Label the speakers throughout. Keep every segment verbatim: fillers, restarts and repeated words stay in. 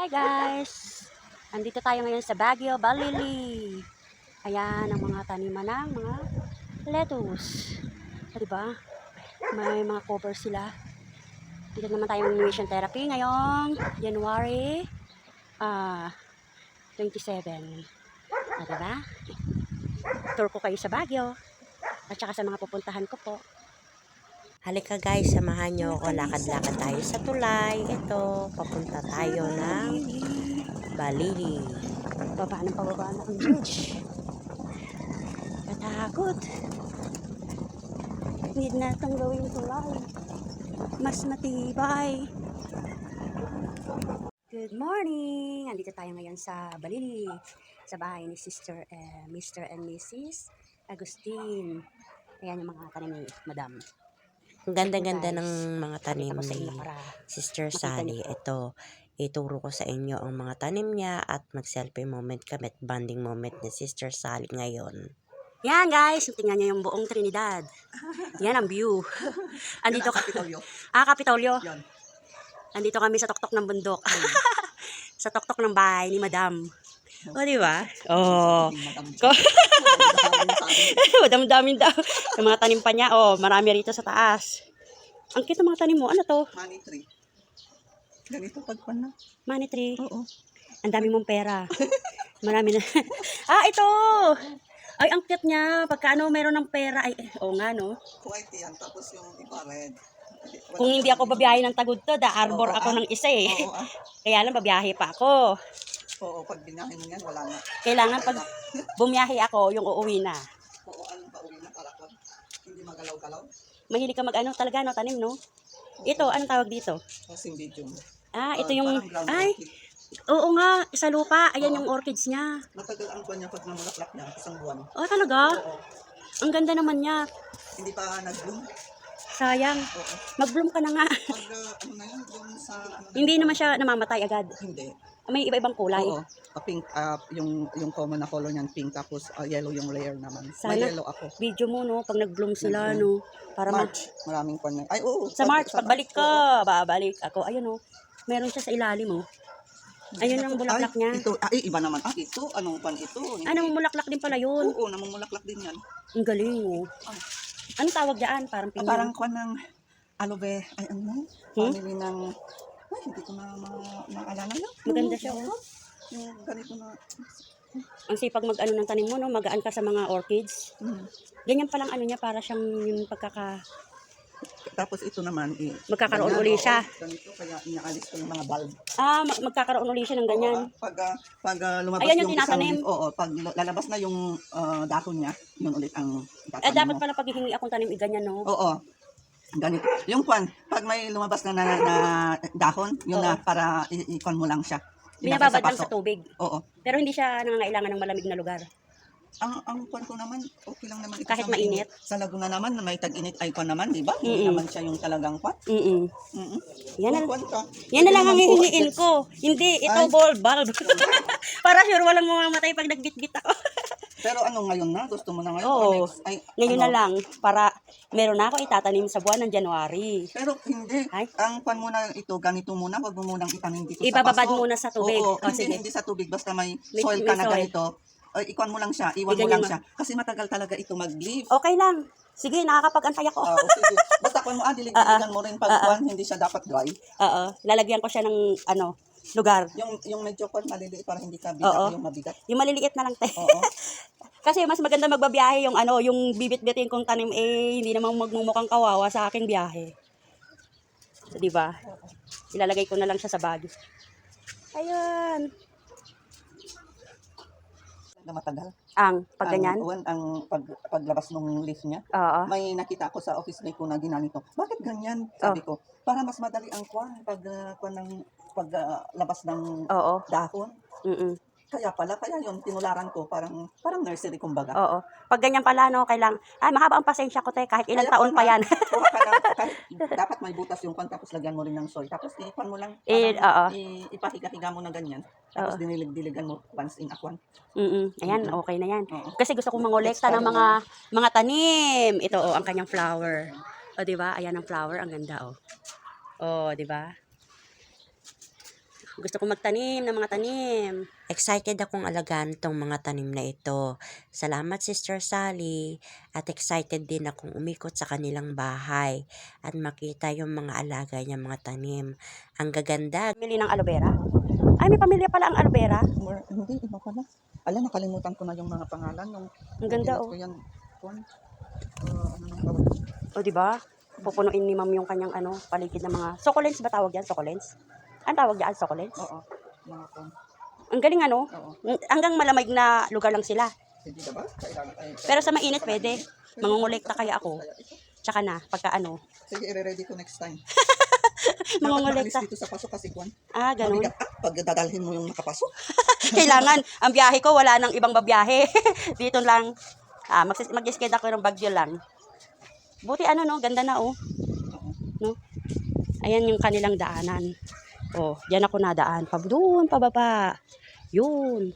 Speaker 1: Hi guys! Andito tayo ngayon sa Baguio, Balili. Ayan ang mga taniman ng mga lettuce. O, diba? May mga cover sila. Dito naman tayo ng nutrition therapy ngayong January uh, twenty-seven. O, diba? Tour ko kayo sa Baguio at saka sa mga pupuntahan ko po.
Speaker 2: Halika guys, samahan nyo ako. Lakad-lakad tayo sa tulay. Ito, papunta tayo ng Balili.
Speaker 1: Baba ng pababa na ang bridge. Katakot. Need na itong gawing tulay. Mas matibay. Good morning! Andito tayo ngayon sa Balili. Sa bahay ni Sister, eh, Mister and Missus Agustin. Ayan yung mga tanim ni Madam.
Speaker 2: Ang ganda-ganda ng mga tanim ni Sister Sally.
Speaker 1: niyo.
Speaker 2: Ito, ituro ko sa inyo ang mga tanim niya at mag-selfie moment kami at bonding moment ni Sister Sally ngayon.
Speaker 1: Yan guys, tingnan niyo yung buong Trinidad. Yan ang view. Andito ka. Ah, Kapitolyo.
Speaker 3: Yan.
Speaker 1: Andito kami sa tuktok ng bundok. Sa tuktok ng bahay ni Madam. O, di ba? Oh. Madam-damin daw. Yung mga tanim pa niya, oh, marami rito sa taas. Ang cute ng mga tanim mo. Ano to?
Speaker 3: Money tree. Ganito pagpan na.
Speaker 1: Money tree.
Speaker 3: Oo.
Speaker 1: Ang dami mong pera. Marami na. Ah, ito! Ay, ang cute niya. Pagka ano, meron ng pera. Ay, oo nga, no?
Speaker 3: White yan. Tapos yung iba red.
Speaker 1: Kung hindi ako babiyahe ng Tagudtod, ah, arbor
Speaker 3: Oo,
Speaker 1: ako
Speaker 3: ah.
Speaker 1: ng isa eh.
Speaker 3: Oo, ah.
Speaker 1: Kaya lang, babiyahe pa ako.
Speaker 3: Oo, pag binahin mo yan, wala na.
Speaker 1: Kailangan pag bumiyahe ako, yung uuwi na.
Speaker 3: Oo, anong pauwi na para pag hindi magalaw-galaw.
Speaker 1: Mahilig ka mag-ano talaga, no? Tanim, no? Ito, anong tawag dito?
Speaker 3: Kasing medium.
Speaker 1: Ah, ito
Speaker 3: Ah,
Speaker 1: yung...
Speaker 3: parang ground
Speaker 1: Ay,
Speaker 3: orchid.
Speaker 1: oo nga, sa lupa. Ayan
Speaker 3: Oo.
Speaker 1: yung orchids niya.
Speaker 3: Matagal ang kwan niya pag namulaklak niya, isang buwan.
Speaker 1: Oh, talaga?
Speaker 3: Oo.
Speaker 1: Ang ganda naman niya.
Speaker 3: Hindi pa nag-bloom.
Speaker 1: Sayang.
Speaker 3: Oo.
Speaker 1: Mag-bloom ka na nga.
Speaker 3: Pag uh, ano na yun, yung sa... Ano na
Speaker 1: Hindi
Speaker 3: yun,
Speaker 1: naman siya namamatay agad.
Speaker 3: Hindi.
Speaker 1: May iba-ibang kulay.
Speaker 3: Oo. Uh, pink, uh, yung, yung common na color niyan, pink. Tapos uh, yellow yung layer naman.
Speaker 1: Sana.
Speaker 3: May yellow ako.
Speaker 1: Video mo, no? Pag nag-bloom sila, no? Para ma-
Speaker 3: March, maraming kwan na. Ay, oo.
Speaker 1: Sa March, pagbalik ko,
Speaker 3: oo.
Speaker 1: babalik ako. Ayun, no? Meron siya sa ilalim, oh. Ayun ang bulaklak
Speaker 3: Ay,
Speaker 1: niya.
Speaker 3: Ito, ay, iba naman. Ah, ito, anong pan ito? Hindi.
Speaker 1: Ah, namumulaklak din pala yun.
Speaker 3: Oo, namumulaklak din yan.
Speaker 1: Ang galing, oh. Anong tawag dyan? Parang
Speaker 3: Ah,
Speaker 1: pinya.
Speaker 3: parang kwan ng aloe vera. Ay, ano?
Speaker 1: Hmm?
Speaker 3: Family ng... Ay, hindi ko na ma- maalala na.
Speaker 1: Maganda siya, oh.
Speaker 3: Yung ganito na...
Speaker 1: Ang sipag mag-ano ng tanim mo, no? Magaan ka sa mga orchids.
Speaker 3: Hmm.
Speaker 1: Ganyan palang ano niya, para siyang yung pagkaka...
Speaker 3: Tapos ito naman, eh,
Speaker 1: Magkakaroon
Speaker 3: ganyan,
Speaker 1: uli
Speaker 3: oo,
Speaker 1: siya.
Speaker 3: Ganito, kaya inaalis ko yung mga bulb.
Speaker 1: Ah, mag- magkakaroon uli siya ng ganyan.
Speaker 3: Oo, ah, pag, ah, pag ah, lumabas
Speaker 1: Ayan yung
Speaker 3: yung, isang
Speaker 1: tinatanim.
Speaker 3: leaf, oo, pag lalabas na yung ah, dahon niya, yun ulit ang
Speaker 1: Eh,
Speaker 3: itatanim
Speaker 1: dapat
Speaker 3: mo.
Speaker 1: pala pag hihingi akong tanim, i- ganyan, no?
Speaker 3: Oo. Ganito. Yung kwan, pag may lumabas na, na, na dahon, yun
Speaker 1: Oo.
Speaker 3: na para i- ikon mo lang siya. Ilagay
Speaker 1: Binababad lang
Speaker 3: paso.
Speaker 1: sa tubig.
Speaker 3: Oo.
Speaker 1: Pero hindi siya nangangailangan ng malamig na lugar.
Speaker 3: Ang ang kwan ko naman, okay lang naman ito.
Speaker 1: Kahit
Speaker 3: sa
Speaker 1: mainit?
Speaker 3: Sa Laguna naman, na may tag-init ay kwan naman, di ba?
Speaker 1: Mm-mm.
Speaker 3: Hindi naman siya yung talagang kwan.
Speaker 1: Mm-mm.
Speaker 3: Mm-mm.
Speaker 1: Yan na,
Speaker 3: Kung kwan ka,
Speaker 1: yan na
Speaker 3: pwede
Speaker 1: lang ang
Speaker 3: naman po,
Speaker 1: hihingiin
Speaker 3: gets.
Speaker 1: ko. Hindi, ito
Speaker 3: Ay.
Speaker 1: bulb, bulb. Para sure walang mamamatay pag nagbit-bit ako.
Speaker 3: Pero ano ngayon na? Gusto mo na ngayon?
Speaker 1: Oo.
Speaker 3: Or next? Ay,
Speaker 1: Ngayon
Speaker 3: ano?
Speaker 1: na lang, para meron na ako itatanim sa buwan ng January.
Speaker 3: Pero hindi.
Speaker 1: Ay.
Speaker 3: Ang kwan muna ito, ganito muna. Huwag mo munang itanim dito
Speaker 1: Ibababad
Speaker 3: sa paso.
Speaker 1: muna sa tubig.
Speaker 3: Oo,
Speaker 1: O,
Speaker 3: hindi,
Speaker 1: sige.
Speaker 3: hindi sa tubig. Basta may
Speaker 1: May-
Speaker 3: soil
Speaker 1: may
Speaker 3: ka na
Speaker 1: soil.
Speaker 3: ganito. Ay, ikwan mo lang siya. Iwan mo
Speaker 1: Iganyan
Speaker 3: lang
Speaker 1: mo.
Speaker 3: siya. Kasi matagal talaga ito mag-leaf.
Speaker 1: Okay lang. Sige, nakakapag-antay ako.
Speaker 3: Ah, okay, sige. Basta kwan mo, ah, dilig-diligan mo rin pag
Speaker 1: Ah, ah.
Speaker 3: kwan, hindi siya dapat dry.
Speaker 1: Oo, lalagyan ko siya ng ano, lugar.
Speaker 3: Yung yung medyo kwan maliliit para hindi ka
Speaker 1: Oo.
Speaker 3: bigat yung mabigat.
Speaker 1: Yung maliliit na lang tayo.
Speaker 3: Oo.
Speaker 1: Kasi mas maganda magbabiyahe yung ano, yung bibit-bitin kong tanim eh hindi namang magmumukhang kawawa sa aking biyahe. So, di ba? Ilalagay ko na lang siya sa bag. Ayun.
Speaker 3: Na matagal.
Speaker 1: Ang pag ganyan.
Speaker 3: Ang, ang pag, paglabas ng leaf niya.
Speaker 1: Oo.
Speaker 3: May nakita ko sa office mate ko na ginanito. Bakit ganyan? Sabi ko, para mas madali ang kwan pag uh, kwan ng paglabas ng
Speaker 1: Oo.
Speaker 3: dahon.
Speaker 1: Mm.
Speaker 3: Kaya pala, kaya yun, tinularan ko, parang parang nursery kumbaga.
Speaker 1: Oo. Pag ganyan pala no, kailang ay mahaba ang pasensya ko te kahit ilang
Speaker 3: Kaya
Speaker 1: taon pa
Speaker 3: kwan,
Speaker 1: yan.
Speaker 3: kuha ka ng- kahit dapat may butas yung kwan, tapos lagyan mo rin ng soil. Tapos ipan mo lang,
Speaker 1: Eh, oo.
Speaker 3: parang i- ipahiga-higa mo na ganyan. Tapos
Speaker 1: Oo.
Speaker 3: dinilig-diligan mo once in a kwan.
Speaker 1: Mm. Ayan, okay na yan.
Speaker 3: Oo.
Speaker 1: Kasi gusto kong mangolekta ng mga mga tanim. Ito oh, ang kanyang flower. O di ba? Ayan ang flower, ang ganda oh. Oh, di ba? Gusto kong magtanim ng mga tanim.
Speaker 2: Excited akong alagaan tong mga tanim na ito. Salamat Sister Sally. At excited din akong umikot sa kanilang bahay at makita yung mga alaga niya mga tanim. Ang gaganda.
Speaker 1: Pamili ng aloe vera. Ay, may pamilya pala ang aloe vera.
Speaker 3: More, hindi, iba pala. Ala, nakalimutan ko na yung mga pangalan. Yung,
Speaker 1: Ang ganda,
Speaker 3: yung
Speaker 1: oh.
Speaker 3: Ko yan, kwan. Uh, ano nang tawag?
Speaker 1: O, di ba? Pupunuin ni ma'am yung kanyang ano, paligid ng mga succulents ba tawag yan? Succulents? Ang tawag yan? Succulents?
Speaker 3: Oo, mga kwan.
Speaker 1: Ang galing ano?
Speaker 3: Oo.
Speaker 1: Hanggang malamig na lugar lang sila.
Speaker 3: Hindi na ba? Kailangan, ay,
Speaker 1: Pero sa mainit pwede. Mangungulekta kaya ako. Tsaka na, pagka ano.
Speaker 3: Sige, i-ready ko next time.
Speaker 1: Mangungulekta.
Speaker 3: Dapat maalis dito sa paso kasi kwan.
Speaker 1: Ah, ganun.
Speaker 3: Mabigat ah, pag dadalhin mo yung nakapasok.
Speaker 1: Kailangan. Ang biyahe ko, wala nang ibang babiyahe. Dito lang. Ah, mag- mag-skate ako ng Baguio lang. Buti ano no, ganda na oh. No? Ayan yung kanilang daanan. Oh, diyan ako nadaan. Pa doon, pababa. Yun.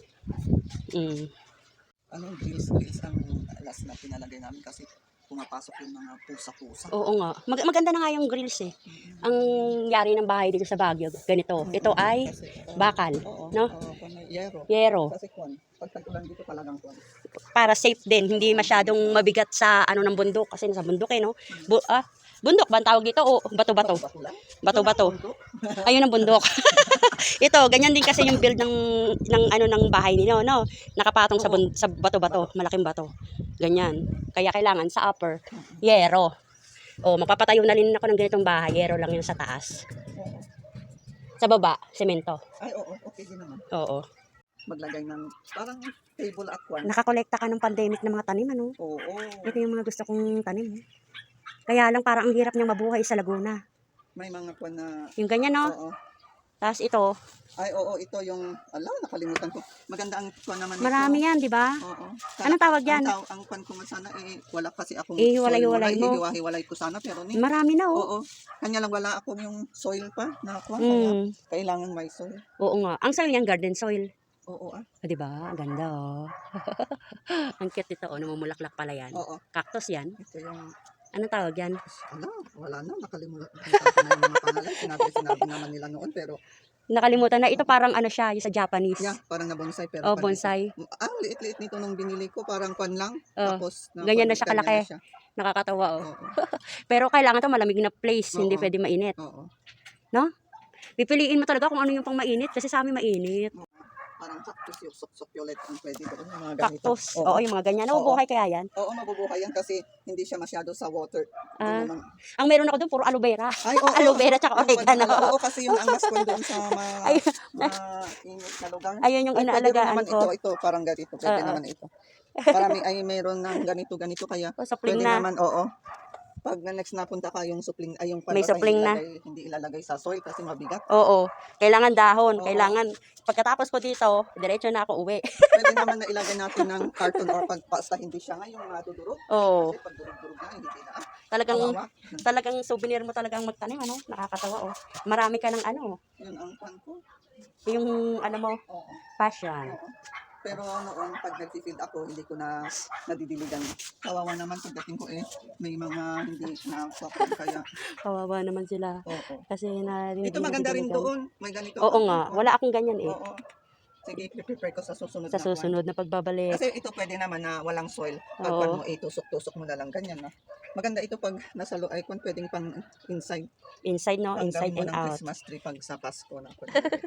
Speaker 1: Mm.
Speaker 3: Ano, grills, grills ang last na pinalagay namin kasi pumapasok yung mga pusa-pusa.
Speaker 1: Oo nga. Mag- maganda na nga yung grills eh. Ang yari ng bahay dito sa Baguio, ganito. Ito ay
Speaker 3: Kasi, oo,
Speaker 1: bakal,
Speaker 3: oo,
Speaker 1: no?
Speaker 3: Oo, kung may yero.
Speaker 1: Yero.
Speaker 3: Kasi kwan, pag tag-ulan dito talagang kwan.
Speaker 1: Para safe din, hindi masyadong mabigat sa ano ng bundok kasi nasa bundok eh no. Bu- ah, bundok ba ang tawag dito o bato-bato?
Speaker 3: Bato lang.
Speaker 1: Bato-bato. Ayun ang bundok. Ito, ganyan din kasi yung build ng ng ano ng bahay ninyo, no. Nakapatong sa bun- sa bato-bato, malaking bato. Ganyan. Kaya kailangan sa upper yero. O magpapatayo na rin ako ng ganitong bahay, yero lang yun sa taas.
Speaker 3: Oo.
Speaker 1: Sa baba, semento.
Speaker 3: Ay, oo, okay din naman.
Speaker 1: Oo.
Speaker 3: Maglagay ng parang table at kwan.
Speaker 1: Nakakolekta ka ng pandemic ng mga tanim, ano?
Speaker 3: Oo.
Speaker 1: Ito yung mga gusto kong tanim. Kaya lang parang ang hirap niyang mabuhay sa Laguna.
Speaker 3: May mga kwan na,
Speaker 1: Yung ganyan, no?
Speaker 3: oo.
Speaker 1: Tapos ito,
Speaker 3: Ay, oo, ito yung, ala, nakalimutan ko. Maganda ang kwan naman ito.
Speaker 1: marami yan, di ba?
Speaker 3: Oo.
Speaker 1: Anong tawag yan?
Speaker 3: Ang, taw- ang kwan ko man sana, eh, wala kasi akong
Speaker 1: Eh,
Speaker 3: soil
Speaker 1: hiwalay-hiwalay
Speaker 3: muna.
Speaker 1: mo.
Speaker 3: Ihiwa-hiwalay ko sana, pero ni,
Speaker 1: Marami na, oh.
Speaker 3: oo. Kanya lang wala akong yung soil pa na kwan. Kaya
Speaker 1: Mm.
Speaker 3: kailangan may soil.
Speaker 1: Oo nga. Ang soil niyan, garden soil.
Speaker 3: Oo, ah.
Speaker 1: O, di ba? Ang ganda, oh. Ang cute nito, oh. Namumulaklak pala yan.
Speaker 3: Oo.
Speaker 1: Cactus yan.
Speaker 3: Ito yung,
Speaker 1: Anong tawag yan?
Speaker 3: ala, wala na, nakalimutan ko na yung mga pangalan. Sinabi, sinabi naman nila noon, pero,
Speaker 1: Nakalimutan na. Ito parang ano siya, yung sa Japanese.
Speaker 3: yeah, parang na bonsai. Pero
Speaker 1: Oh,
Speaker 3: parang-
Speaker 1: bonsai.
Speaker 3: Ah, ang liit-liit nito nung binili ko, parang kwan lang.
Speaker 1: Oh,
Speaker 3: Tapos,
Speaker 1: ganyan na siya
Speaker 3: ganyan
Speaker 1: kalaki.
Speaker 3: na siya.
Speaker 1: Nakakatawa, oh.
Speaker 3: Oo,
Speaker 1: Pero kailangan to malamig na place. Hindi
Speaker 3: Oo.
Speaker 1: pwede mainit.
Speaker 3: oo.
Speaker 1: Pipiliin mo talaga kung ano yung pang mainit. Kasi sa amin mainit.
Speaker 3: Parang cactus yung succulent ang pwede doon. Yung mga ganito.
Speaker 1: Cactus. Oo,
Speaker 3: Oo.
Speaker 1: yung mga ganyan.
Speaker 3: Oo.
Speaker 1: Nabubuhay kaya yan.
Speaker 3: Oo, mabubuhay yan kasi hindi siya masyado sa water. Hindi
Speaker 1: Ah.
Speaker 3: naman-
Speaker 1: Ang meron ako doon, puro aloe vera.
Speaker 3: Ay, oo.
Speaker 1: Aloe vera tsaka
Speaker 3: Yung
Speaker 1: oregano.
Speaker 3: wala- Oo, kasi yung ang mas kwan doon sa mga
Speaker 1: Ay,
Speaker 3: mainit na lugar.
Speaker 1: ayun yung
Speaker 3: Ay, pwede rin
Speaker 1: inaalagaan
Speaker 3: naman
Speaker 1: ko.
Speaker 3: ito, ito, parang ganito. Pwede
Speaker 1: Oo.
Speaker 3: naman ito. Parami ay meron ng ganito, ganito. Kaya
Speaker 1: O, sapling
Speaker 3: pwede
Speaker 1: na.
Speaker 3: naman, oo. Pag na next napunta ka yung supling, ay yung
Speaker 1: May
Speaker 3: palbasa,
Speaker 1: supling
Speaker 3: hindi
Speaker 1: na.
Speaker 3: ilalagay- Hindi ilalagay sa soil kasi mabigat.
Speaker 1: Oo. Kailangan dahon.
Speaker 3: Oo.
Speaker 1: Kailangan. Pagkatapos ko dito, diretso na ako uwi.
Speaker 3: Pwede naman na ilagay natin ng carton or pag basta hindi siya nga yung madudurog.
Speaker 1: Oo.
Speaker 3: Kasi pag durog-durog na, hindi na.
Speaker 1: Talagang,
Speaker 3: Kawawa.
Speaker 1: talagang souvenir mo talagang magtanim, ano? Nakakatawa, oh. Marami ka ng ano.
Speaker 3: Yun ang pan ko.
Speaker 1: Yung, ano mo,
Speaker 3: Oo.
Speaker 1: passion.
Speaker 3: Oo. Pero noon, pag nag-field ako, hindi ko na nadidiligan. Kawawa naman pagdating ko eh. May mga hindi na kaya.
Speaker 1: Kawawa naman sila.
Speaker 3: Oo.
Speaker 1: Kasi na
Speaker 3: Ito maganda rin doon. May ganito.
Speaker 1: Oo nga. Wala akong ganyan eh.
Speaker 3: Oo. Sige, prepare ko sa susunod
Speaker 1: Sa
Speaker 3: na kwan.
Speaker 1: susunod na pagbabalik.
Speaker 3: Kasi ito pwede naman na walang soil. Pag
Speaker 1: Oo.
Speaker 3: kwan mo, itusok-tusok mo na lang ganyan. No? Maganda ito pag nasa loob. Ay, kung pwedeng pang inside.
Speaker 1: Inside, no?
Speaker 3: Pag
Speaker 1: Inside
Speaker 3: gawin mo
Speaker 1: and
Speaker 3: ng
Speaker 1: out.
Speaker 3: Christmas tree pag sa Pasko na.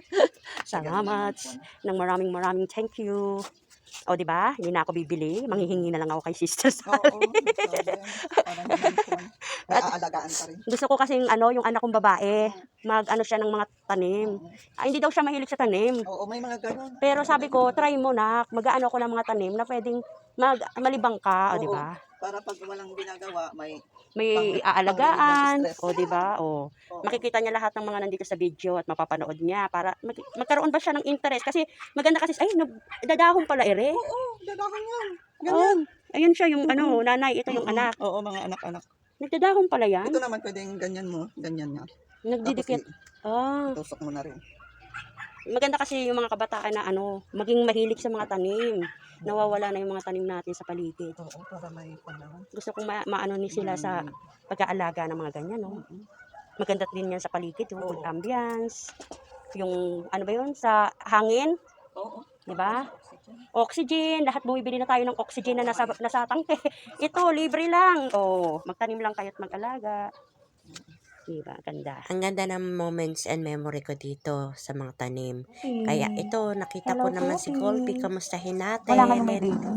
Speaker 1: Salamat. Nang maraming maraming thank you. O, di ba? Hindi na ako bibili. Manghihingi na lang ako kay Sister
Speaker 3: Oo,
Speaker 1: Sally.
Speaker 3: sabi yan. Parang ganyan po. May aalagaan pa rin.
Speaker 1: Gusto ko kasing ano, yung anak kong babae, mag-ano siya ng mga tanim. Ah, hindi daw siya mahilig sa tanim.
Speaker 3: Oo, may mga ganun.
Speaker 1: Pero sabi ko, try mo na, mag-ano ko ng mga tanim na pwedeng mag malibang ka, o
Speaker 3: Oo.
Speaker 1: di ba?
Speaker 3: Para pag walang ginagawa, may
Speaker 1: May
Speaker 3: Pang-
Speaker 1: aalagaan,
Speaker 3: pang-relieve ng stress.
Speaker 1: o di ba? O
Speaker 3: oo.
Speaker 1: makikita niya lahat ng mga nandito sa video at mapapanood niya para mag- magkaroon ba siya ng interest kasi maganda kasi ay nag- dadahon pala ere.
Speaker 3: Oo, dadahan yan. Ganyan.
Speaker 1: Oh, ayun siya yung ano, nanay, ito yung
Speaker 3: Mm-mm.
Speaker 1: anak.
Speaker 3: Oo, mga anak-anak.
Speaker 1: Nagdadahon pala yan.
Speaker 3: Ito naman pwedeng ganyan mo, ganyan nga.
Speaker 1: Nagdidikit. Ah,
Speaker 3: Tusok mo na rin.
Speaker 1: maganda kasi yung mga kabataan na ano, maging mahilig sa mga tanim. Nawawala na yung mga tanim natin sa paligid.
Speaker 3: Oo, para may panahon.
Speaker 1: Gusto kong ma- maano ni sila sa pag-aalaga ng mga ganyan, no? Maganda din yan sa paligid, yung
Speaker 3: Oo.
Speaker 1: good ambience. yung, ano ba yun, sa hangin,
Speaker 3: Oo.
Speaker 1: di ba? Oxygen, lahat bumibili na tayo ng oxygen na nasa, nasa tangke. Ito, libre lang. Oh, magtanim lang kayo at mag-alaga. Di ba? Ganda.
Speaker 2: Ang ganda ng moments and memory ko dito sa mga tanim.
Speaker 1: Hmm.
Speaker 2: Kaya ito, nakita
Speaker 1: Hello,
Speaker 2: ko naman si
Speaker 1: Poppy.
Speaker 2: Colby. Kamustahin natin.
Speaker 1: Wala ngayong may baby.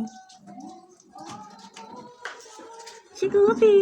Speaker 1: Si Goofy.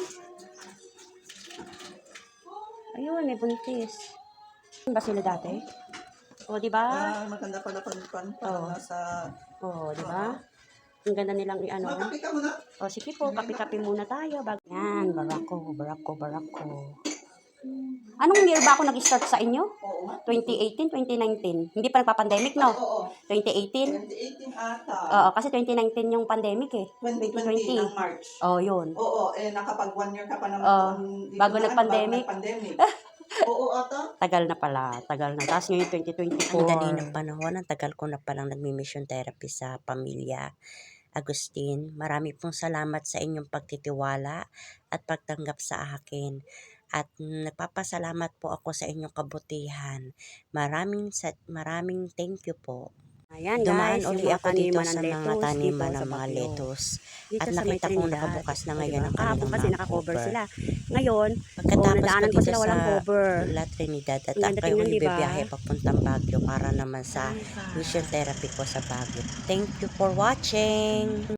Speaker 1: Ayun, may buntis. Ano ba sila dati? O, di ba?
Speaker 3: Ah, maganda pala pag pan
Speaker 1: Oo.
Speaker 3: para nasa...
Speaker 1: O, di ba? Ang ganda nilang i-ano.
Speaker 3: Makapi ka muna.
Speaker 1: O, sige po, kape-kape muna tayo. Bag yan, barako, barako, barako. Anong year ba ako nag-start sa inyo?
Speaker 3: Oo nga.
Speaker 1: twenty eighteen, twenty nineteen. Hindi pa nagpa-pandemic, no?
Speaker 3: Oo.
Speaker 1: twenty eighteen?
Speaker 3: twenty eighteen ata.
Speaker 1: Oo, kasi twenty nineteen yung pandemic eh.
Speaker 3: twenty twenty ng March.
Speaker 1: Oh, yun.
Speaker 3: Oo, eh nakapag one year ka pa naman
Speaker 1: Oo,
Speaker 3: doon dito
Speaker 1: bago
Speaker 3: na,
Speaker 1: nag-pandemic.
Speaker 3: Bago nag-pandemic. Oo, ata.
Speaker 1: Tagal na pala, tagal na. Tapos ngayon twenty twenty-four.
Speaker 2: Ang dali ng panahon. Ang tagal ko na palang nagmi-mission therapy sa pamilya. Agustin, marami pong salamat sa inyong pagtitiwala at pagtanggap sa akin. At mm, nagpapasalamat po ako sa inyong kabutihan. Maraming sa maraming thank you po.
Speaker 1: Ayan
Speaker 2: Dumaan
Speaker 1: guys,
Speaker 2: uli
Speaker 1: yung mga
Speaker 2: ako dito
Speaker 1: taniman ng
Speaker 2: sa mga
Speaker 1: lettuce
Speaker 2: taniman
Speaker 1: dito
Speaker 2: ng
Speaker 1: sa
Speaker 2: mga
Speaker 1: Baguio.
Speaker 2: lettuce.
Speaker 1: Dito
Speaker 2: At
Speaker 1: sa may
Speaker 2: nakita kong
Speaker 1: Trinidad.
Speaker 2: nakabukas na
Speaker 1: O,
Speaker 2: ngayon
Speaker 1: diba?
Speaker 2: ang
Speaker 1: Kahapon
Speaker 2: kanilang
Speaker 1: kasi
Speaker 2: mga
Speaker 1: naka-cover
Speaker 2: cover.
Speaker 1: sila. Ngayon,
Speaker 2: Pagkatapos ko
Speaker 1: nadaanan ko
Speaker 2: dito
Speaker 1: sila
Speaker 2: sa
Speaker 1: walang cover.
Speaker 2: La Trinidad at
Speaker 1: Ang ganda
Speaker 2: ako
Speaker 1: tingnan, diba?
Speaker 2: bibiyahe papuntang Baguio para naman sa mission therapy ko sa Baguio. Thank you for watching!